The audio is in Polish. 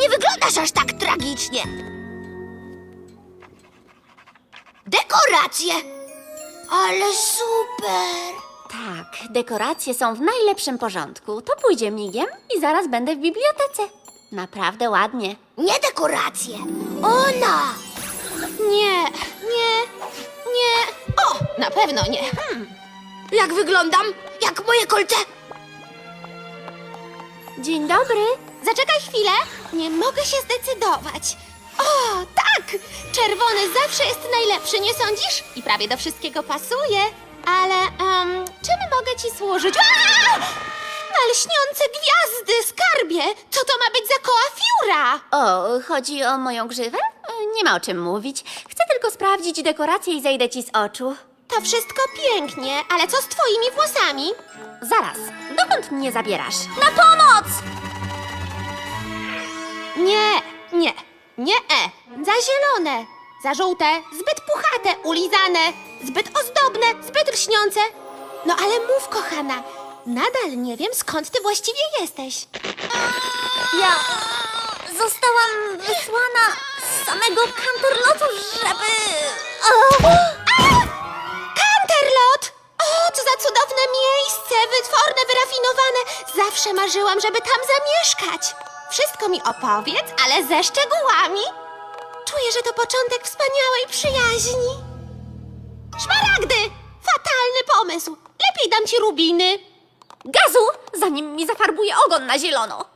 Nie wyglądasz aż tak tragicznie. Dekoracje! Ale super! Tak, dekoracje są w najlepszym porządku. To pójdzie migiem i zaraz będę w bibliotece. Naprawdę ładnie. Nie dekoracje! Ona! Nie, nie, nie. O, na pewno nie. Jak wyglądam? Jak moje kolce? Dzień dobry. Zaczekaj chwilę. Nie mogę się zdecydować. O, tak! Czerwony zawsze jest najlepszy, nie sądzisz? I prawie do wszystkiego pasuje. Ale, czym mogę ci służyć? Aaa! Na lśniące gwiazdy, skarbie! Co to ma być za koła fiura? O, chodzi o moją grzywę? Nie ma o czym mówić. Chcę tylko sprawdzić dekoracje i zejdę ci z oczu. To wszystko pięknie, ale co z twoimi włosami? Zaraz, dokąd mnie zabierasz? Na pomoc! Nie, nie, nie, za zielone, za żółte, zbyt puchate, ulizane, zbyt ozdobne, zbyt lśniące. No ale mów, kochana, nadal nie wiem, skąd ty właściwie jesteś. Ja zostałam wysłana z samego Canterlotu, żeby... Canterlot! O, co za cudowne miejsce, wytworne, wyrafinowane. Zawsze marzyłam, żeby tam zamieszkać. Wszystko mi opowiedz, ale ze szczegółami. Czuję, że to początek wspaniałej przyjaźni. Szmaragdy! Fatalny pomysł. Lepiej dam ci rubiny. Gazu, zanim mi zafarbuje ogon na zielono.